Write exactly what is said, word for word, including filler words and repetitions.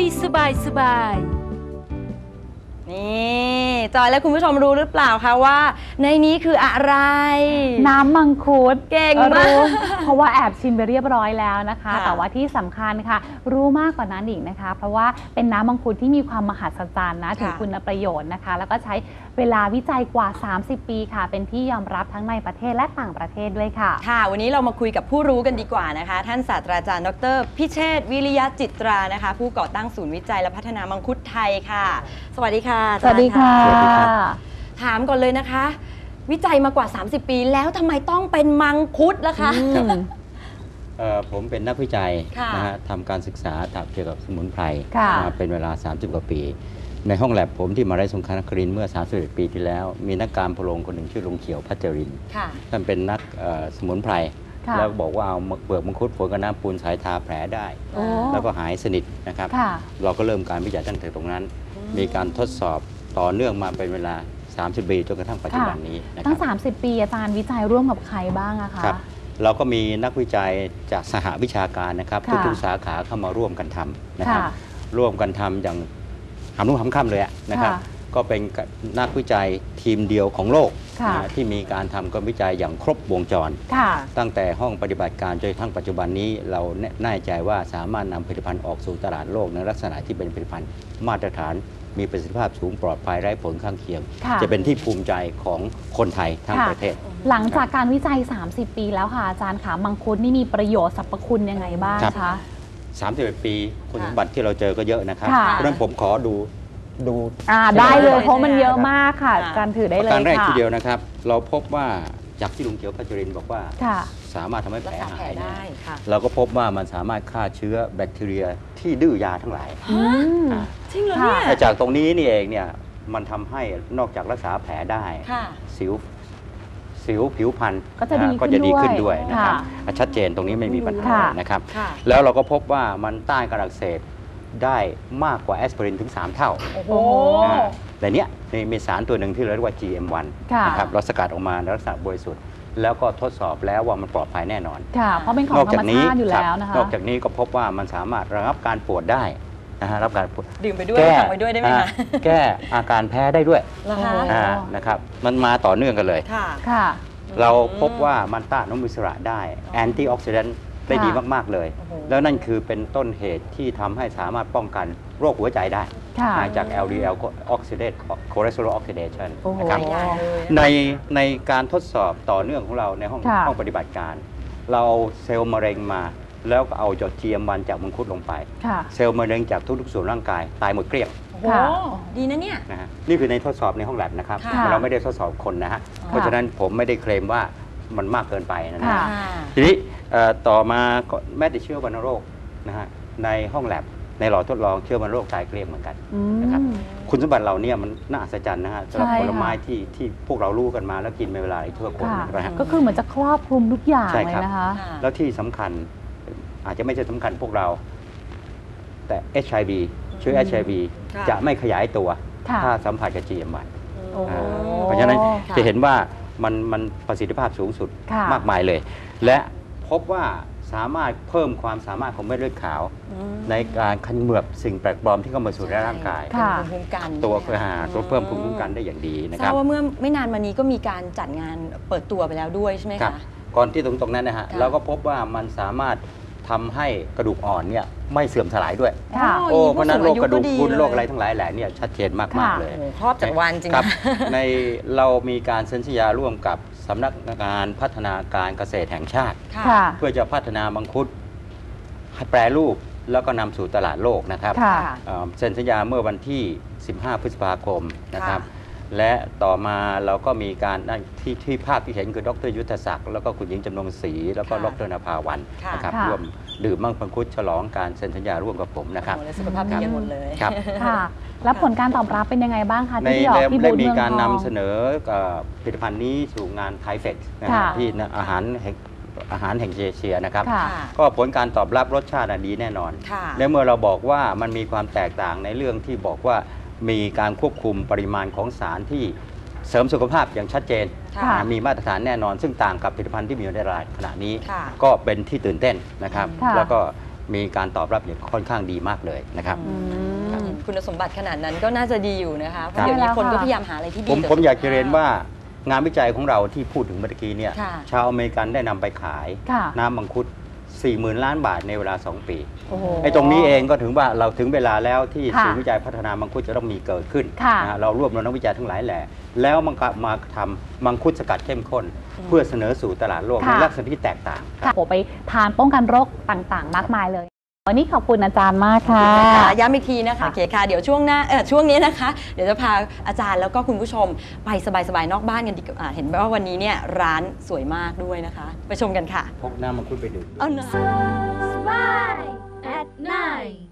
สบายสบายนี่จอยและคุณผู้ชมรู้หรือเปล่าคะว่าในนี้คืออะไรน้ำมังคุดเก่งมากเพราะว่าแอบชิมไปเรียบร้อยแล้วนะคะค่ะแต่ว่าที่สำคัญค่ะรู้มากกว่านั้นอีกนะคะเพราะว่าเป็นน้ำมังคุดที่มีความมหัศจรรย์นะถึงคุณประโยชน์นะคะแล้วก็ใช้เวลาวิจัยกว่าสามสิบปีค่ะเป็นที่ยอมรับทั้งในประเทศและต่างประเทศด้วยค่ะค่ะวันนี้เรามาคุยกับผู้รู้กันดีกว่านะคะท่านศาสตราจารย์ดรพิเชษฐ์วิริยะจิตรานะคะผู้ก่อตั้งศูนย์วิจัยและพัฒนามังคุดไทยค่ะสวัสดีค่ะสวัสดีค่ะถามก่อนเลยนะคะวิจัยมากว่าสามสิบปีแล้วทำไมต้องเป็นมังคุดล่ะคะผมเป็นนักวิจัยนะฮะทำการศึกษาเกี่ยวกับสมุนไพรมาเป็นเวลาสามสิบกว่าปีในห้องแลบผมที่มหาวิทยาลัยสงขลานครินทร์เมื่อสามสิบเอ็ดปีที่แล้วมีนักการพลงคนหนึ่งชื่อลุงเขียวพัชรินทร์ท่านเป็นนักสมุนไพรแล้วบอกว่าเอาเปลือกมังคุดฝนกับน้ำปูนสายทาแผลได้แล้วก็หายสนิทนะครับเราก็เริ่มการวิจัยตั้งแต่ตรงนั้นมีการทดสอบต่อเนื่องมาเป็นเวลาสามสิบปีจนกระทั่งปัจจุบันนี้นะครับตั้งสามสิบปีอาจารย์วิจัยร่วมกับใครบ้างอะคะครับเราก็มีนักวิจัยจากสหวิชาการนะครับทุกๆสาขาเข้ามาร่วมกันทำนะครับร่วมกันทำอย่างหำนุ่งหำค่ำเลยนะครับก็เป็นนักวิจัยทีมเดียวของโลกที่มีการทำการวิจัยอย่างครบวงจรตั้งแต่ห้องปฏิบัติการจนทั้งปัจจุบันนี้เราแน่ใจว่าสามารถนำผลิตภัณฑ์ออกสู่ตลาดโลกในลักษณะที่เป็นผลิตภัณฑ์มาตรฐานมีประสิทธิภาพสูงปลอดภัยไร้ผลข้างเคียงจะเป็นที่ภูมิใจของคนไทยทั้งประเทศหลังจากการวิจัยสามสิบปีแล้วค่ะอาจารย์ค่ะมังคุดนี่มีประโยชน์สรรพคุณยังไงบ้างคะสามสิบเอ็ดปีคุณสมบัติที่เราเจอก็เยอะนะครับเพราะฉะนั้นผมขอดูดูได้เลยเพราะมันเยอะมากค่ะการถือได้เลยค่ะการแรกทีเดียวนะครับเราพบว่าจากที่ลุงเขียวพัชรินทร์บอกว่าสามารถทำให้แผลหายได้เราก็พบว่ามันสามารถฆ่าเชื้อแบคทีเรียที่ดื้อยาทั้งหลายจริงเหรอเนี่ยจากตรงนี้นี่เองเนี่ยมันทำให้นอกจากรักษาแผลได้สิวสิวผิวพรรณก็จะดีขึ้นด้วยนะครับชัดเจนตรงนี้ไม่มีปัญหานะครับแล้วเราก็พบว่ามันต้านการอักเสบได้มากกว่าแอสไพรินถึงสามเท่าแต่เนี้ยมีสารตัวหนึ่งที่เรียกว่า จี เอ็ม วัน นะครับเราสกัดออกมาในลักษณะบริสุทธิ์แล้วก็ทดสอบแล้วว่ามันปลอดภัยแน่นอนค่ะเพราะเป็นของธรรมชาติอยู่แล้วนะคะนอกจากนี้ก็พบว่ามันสามารถระงับการปวดได้นะฮะรับการปวดดื่มไปด้วยทำไปด้วยได้ไหมคะแก้อาการแพ้ได้ด้วยนะครับมันมาต่อเนื่องกันเลยค่ะเราพบว่ามันต้านอนุมูลอิสระได้แอนตี้ออกซิแดนต์ได้ดีมากๆเลยแล้วนั่นคือเป็นต้นเหตุที่ทำให้สามารถป้องกันโรคหัวใจได้จาก แอล ดี แอล Oxidate Cholesterol Oxidation นะครับในในการทดสอบต่อเนื่องของเราในห้องห้องปฏิบัติการเราเซลล์มะเร็งมาแล้วก็เอาจด จี เอ็ม วัน จากมังคุดลงไปเซลล์มะเร็งจากทุกๆส่วนร่างกายตายหมดเกลี้ยงโอ้ดีนะเนี่ยนะฮะนี่คือในทดสอบในห้องแลบนะครับเราไม่ได้ทดสอบคนนะฮะเพราะฉะนั้นผมไม่ได้เคลมว่ามันมากเกินไปนะฮะทีนี้ต่อมาแม้แต่เชื้อวัณโรคนะฮะในห้องแลบในหลอดทดลองเชื้อวัณโรคตายเกลี้ยงเหมือนกันนะครับคุณสมบัติเราเนี่ยมันน่าอัศจรรย์นะฮะสำหรับผลไม้ที่ที่พวกเรารู้กันมาแล้วกินในเวลาทั่วคนนะฮะก็คือเหมือนจะครอบคลุมทุกอย่างเลยนะคะแล้วที่สำคัญอาจจะไม่ใช่สำคัญพวกเราแต่ เอช ไอ วี เชื้อ เอช ไอ วี จะไม่ขยายตัวถ้าสัมผัสกับ จี เอ็ม วัน เพราะฉะนั้นจะเห็นว่ามันมันประสิทธิภาพสูงสุดมากมายเลยและพบว่าสามารถเพิ่มความสามารถของเม็ดเลือดขาวในการขันเหมือบสิ่งแปลกปลอมที่เข้ามาสู่ร่างกายตัวเพื่อหาตัวเพิ่มภูมิคุ้มกันได้อย่างดีนะครับทราบว่าเมื่อไม่นานมานี้ก็มีการจัดงานเปิดตัวไปแล้วด้วยใช่ไหมคะก่อนที่ตรงตรงนั้นนะฮะเราก็พบว่ามันสามารถทำให้กระดูกอ่อนเนี่ยไม่เสื่อมสลายด้วยโอ้เพราะนั้นโรคกระดูกพรุนโรคอะไรทั้งหลายแหล่เนี่ยชัดเจนมากๆเลยครอบจักรวาลจริงครับในเรามีการเซ็นสัญญาร่วมกับสำนักงานพัฒนาการเกษตรแห่งชาติเพื่อจะพัฒนามังคุดให้แปรรูปแล้วก็นำสู่ตลาดโลกนะครับเซ็นสัญญาเมื่อวันที่สิบห้าพฤษภาคมนะครับและต่อมาเราก็มีการที่ที่ภาพที่เห็นคือดรยุทธศักดิ์แล้วก็คุณหญิงจำนงศรีแล้วก็ดรนภาวันนะครับร่วมดื่มมังคุดฉลองการเซ็นสัญญาร่วมกับผมนะครับสุขภาพดีหมดเลยครับค่ะแล้วผลการตอบรับเป็นยังไงบ้างคะที่ที่ออกที่บูธเมืองทองได้มีการนำเสนอผลิตภัณฑ์นี้สู่งานไทเฟกที่อาหารอาหารแห่งเอเชียนะครับก็ผลการตอบรับรสชาติดีแน่นอนและเมื่อเราบอกว่ามันมีความแตกต่างในเรื่องที่บอกว่ามีการควบคุมปริมาณของสารที่เสริมสุขภาพอย่างชัดเจนมีมาตรฐานแน่นอนซึ่งต่างกับผลิตภัณฑ์ที่มีอยู่ในตลาดขณะนี้ก็เป็นที่ตื่นเต้นนะครับแล้วก็มีการตอบรับอย่างค่อนข้างดีมากเลยนะครับอืมครับคุณสมบัติขนาดนั้นก็น่าจะดีอยู่นะคะเพครัราะบเดี๋ยวนี้ใช่แล้วคนก็ค่ะพยายามหาอะไรที่ดีผมต่ผมอยากจะสุขภพเรียนว่างานวิจัยของเราที่พูดถึงเมื่อกี้เนี่ยค่ะชาวอเมริกันได้นำไปขายค่ะน้ำมังคุด สี่หมื่น ล้านบาทในเวลา สอง ปีโอ้โหไอ้ตรงนี้เองก็ถึงว่าเราถึงเวลาแล้วที่ค่ะศูนย์วิจัยพัฒนามังคุดจะต้องมีเกิดขึ้นค่ะนะฮะเรารวบรวมนักวิจัยทั้งหลายแหล่แล้วมันก็มาทำมังคุดสกัดเข้มข้น เพื่อเสนอสู่ตลาดโลกค่ะในลักษณะที่แตกต่างค่ะโอ้ไปทานป้องกันโรคต่างๆ มากมายเลย วันนี้ขอบคุณอาจารย์มากค่ะค่ะย้ำอีกทีนะคะค่ะโอเคค่ะ เดี๋ยวช่วงหน้าเออช่วงนี้นะคะ เดี๋ยวจะพาอาจารย์แล้วก็คุณผู้ชมไปสบายๆนอกบ้านกันดีกว่าอ่าเห็นว่าวันนี้เนี่ยร้านสวยมากด้วยนะคะ ไปชมกันค่ะพกน้ำมังคุดไปดื่มเอาหน่อย Smile at night.